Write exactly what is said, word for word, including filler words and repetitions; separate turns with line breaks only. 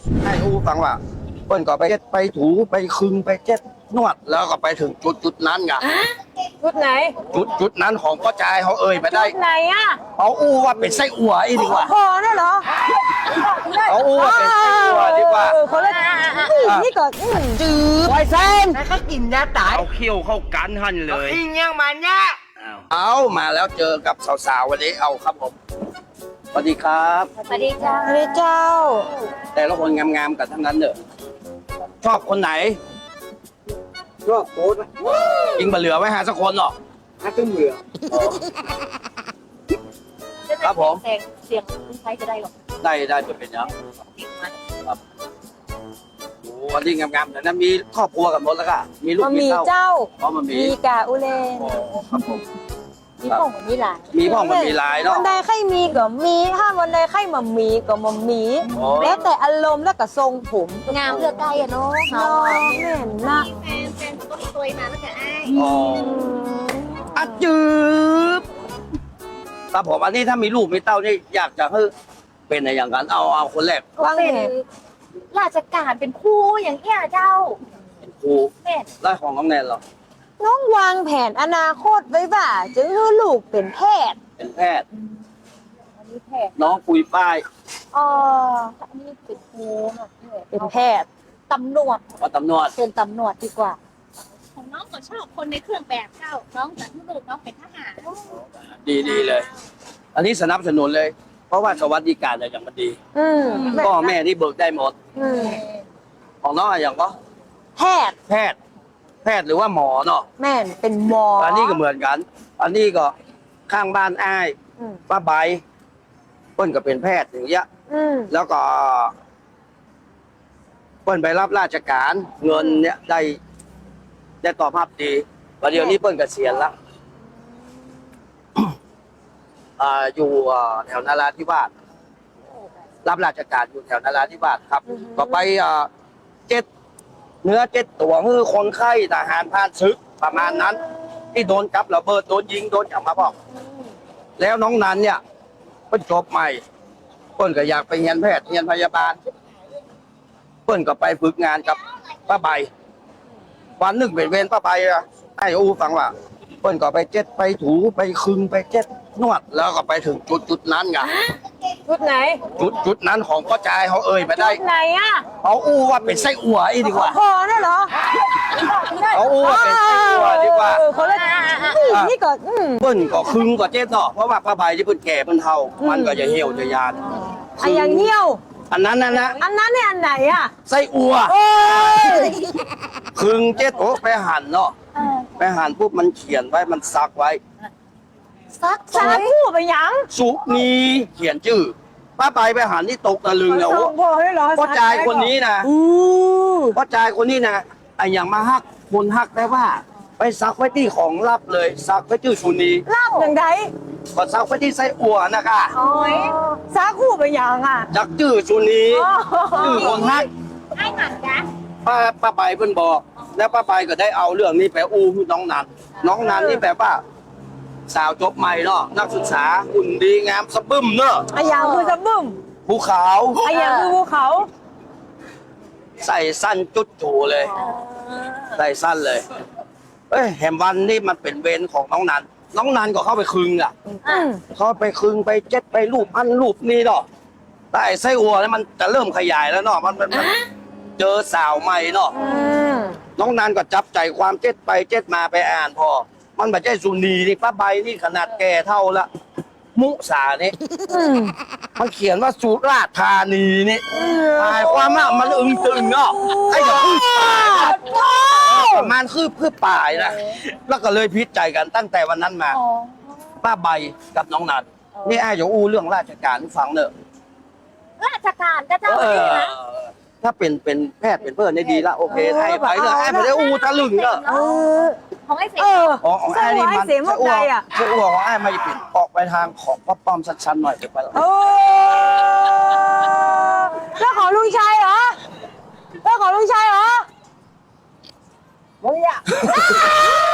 ให้อูฟังว่าเปิ้นก็ไปเจ็ดไปถูไปคึงไปเจ็ดนวดแล้วก็ไปถึงจุดจุดนั้นไง
จุดไหน
จุดจุดนั้นของพ่อจายเขาเอ่ยไปได้
จุดไหนอ่ะ
เอาอู้ว่าเป็นไส้อั่วอีดีกว่า
พอได้เหรอ
เอาอู้ว่าเป็นไส้อั่วดีกว่า
เออคนละนี่ก็จืดไวเซน
แล้วก็กินยาตาย
เอาเขี้ยวเข้ากันหันเลย
อิงยังมันเนี่ย
เอามาแล้วเจอกับสาวๆวันนี้เอาครับผมสวัสดีครับ
สวัสดีจ้าสวัสดีเจ้า
แต่ละคนงามๆกันทั้งนั้นเด้อชอบคนไหน
ชอบโค้ด
ยิงบะเหลือไว้หาสักคนหรอก
ถ้าตึ้งเหลือ
ครับผม
เสียงเสียงคุณใช้จะได้หรอ
ได้ได้เป็นเป็นยังครับโอ้วันนี้งามๆแต่นั้นมีครอบครัวกับหมดแล้วก็มีลูก
มัน
มี
มี
เต้า
เจ้า
เพราะมันมี
มีกาอุเลน
โอ้ครับผม
มีพ่องมีหลาน
มีพ่องมันมีหลายเนาะ
วันใดใครมีก็มีถ้าวันใดใครมามีก็มามี
โอ้
แล้วแต่อารมณ์แล้วก็ทรงผม
งามเลือกได้อะเนาะ
น้องแม่นนะ
แฟนแฟนก็สวยมาแล้วกันไอ้
อ๋ออัดจืบครับผมอันนี้ถ้ามีลูกมีเต้านี่อยากจะให้เป็นอะไรอย่างนั้นเอาเอาคนแรก
ว่าง
เป็น
ไง
ราชการเป็นครูอย่างเงี้ยเจ้า
เป็นครู
แม่น
ไล่ของน้องแนนเหรอ
น้องวางแผนอนาคตไว้ว่าจะให้ลูกเป็นแพทย์
เป็นแพทย์
อันนี้แพทย์
น้องปุยป้าย
อ๋อ
อันนี้เป็นครูเนาะ
เป็นแพทย์
ตำรวจ
ว่าตำรวจ
เป็นตำรวจดีกว่า ของน้องก็ชอบคนในเครื่องแบบเจ้าน้องแต่ที่ลูกน้องเป็นทหาร
ดีดีเลย อันนี้สนับสนุนเลย เพราะว่าสวัสดิการอะไรอย่างมันดี
อืม
พ่อแม่นี่เบิกได้หมด
อืม
ของน้องอะไรอย่างก็
แพทย์
แพทย์ แพทย์หรือว่าหมอเนาะ
แม่นเป็นหมอ
อันนี้ก็เหมือนกัน อันนี้ก็ข้างบ้านอ้าย
อืม
ป้าใบเปิ้นก็เป็นแพทย์อย่างเงี้ย
อืม
แล้วก็เปิ้นไปรับราชการเงินเนี่ยได้ได้ตอบรับดีประเดี๋ยวนี้เปิ้นเกษียณละอ่าอยู่อ่าแถวนาราธิวาสรับราชการอยู่แถวนาราธิวาสครับ ก็ไปอ่าเจ็ดเนื้อเจ็ดตัวคือคนไข้ทหารผ่านศึกประมาณนั้น ที่โดนจับระเบิดโดนยิงโดนจับมาบอก แล้วน้องนันเนี่ยเปิ้นจบใหม่ เปิ้นก็อยากไปเรียนแพทย์เรียนพยาบาล เปิ้นก็ไปฝึกงานกับป้าใบ วันหนึ่งเป็นเวรป้าใบอะไอ้อูฟังว่า เปิ้นก็ไปเจ็ดไปถูไปคึงไปเจ็ดนวด แล้วก็ไปถึงจุดจุดนั้นไง
ชุดไหน
จุดจุดนั้นของพ่อจายเขาเอ่ยไปได้
ชุดไหนอ่ะ
เอาอู้ว่าเป็นไส้อั่วอีดีกว่า
พอได้เหรอ
เอาอู้ว่าเป็นไส้อั่วดีกว่า
เออคนละนี่ก็อืม
เปิ้นก็คึงก็เจ็ดเนาะเพราะว่าป้าใบที่เปิ้นแก่เปิ้นเฒ่า มันก็จะเหี่ยวจะยาน
ไอ้อย่างเหี้ยว
อันนั้นน่ะนะ
อันนั้นเนี่ยอันไหนอ่ะ
ไส้อั่ว
โอ้ย
คึงเจ็ดโอ้ไปหั่นเนาะไปหั่นปุ๊บมันเขียนไว้มันซักไว้
ซัก
สาคู่ไปยัง
สุนีเขียนชื่อป้าไปไปหันที่ตกตะลึงเนี่ยโอ้
พอให้เหรอ
พ่อจายคนนี้นะ
อู้
พ่อจายคนนี้นะไอ้อย่างมาฮักคนฮักได้ว่า ไปซักไว้ที่ของลับเลยซักไว้ชื่อสุนี
ลาบอย่างไร
ก็ซักไว้ที่ไส้อั่วนะคะ
โอ้ยสาคู่ไปยังอ่ะ
จักชื่อสุนีชื่อคนฮัก
ให้หนักจ้ะ
ป้าป้าไปเพิ่นบอก แล้วป้าไปก็ได้เอาเรื่องนี้ไปอู้ให้น้องนันน้องนันนี่แบบว่า สาวจบใหม่เนาะนักศึกษาหุ่นดีงามสะบึ้มเนาะ
ไอ้อย่างคือจะบึ้ม
ภูเขา
ไอ้อย่างคือภูเขา
ใส่สั้นจุดจูเลย ใส่สั้นเลย เอ้ยแหมวันนี่มันเป็นเวรของน้องนัน น้องนันก็เข้าไปคึงอ่ะ
อืม
เขาไปคึงไปเจ็ดไปรูปอันรูปนี่เนาะแต่ไอ้ไส้อัวนี่มันจะเริ่มขยายแล้วเนาะ มันมันมันเจอสาวใหม่เนาะ
อืม
น้องนันก็จับใจความเจ็ดไปเจ็ดมาไปอ่านพอ มันไม่ใช่สุนีนี่ป้าใบนี่ขนาดแก่เท่าละ มุสานี่
อืม
มันเขียนว่าสุราษฎร์ธานีนี่หมายความว่ามันอึงตึงเนาะไอ้อย่างคือป่ายนะประมาณคือคือป่ายนะแล้วก็เลยพิจใจกันตั้งแต่วันนั้นมา
อ๋อ
ป้าใบกับน้องนันนี่ไอ้จะอู้เรื่องราชการให้ฟังเนอะ
ราชการก็เจ้า
เอ
ดี
อ
นะ
ถ้าเป็นเป็นแพทย์เป็นเพื่อนได้ดีละโอเคให้ไปเนอะไอ้ไม่ได้อู้ทะลึ่งเนอะ
เออ
ของไอ้เสก
เออ
อ๋อของไอ้นี่มัน
เสียงมันใจอ่ะ
ไส้อั่วของไอ้ไม่ปิดออกไปทางของป้าป้อมชันๆหน่อยเดี๋ยวไปละ
โอ้แล้วของลุงชัยเหรอแล้วของลุงชัยเหรอมึงอยาก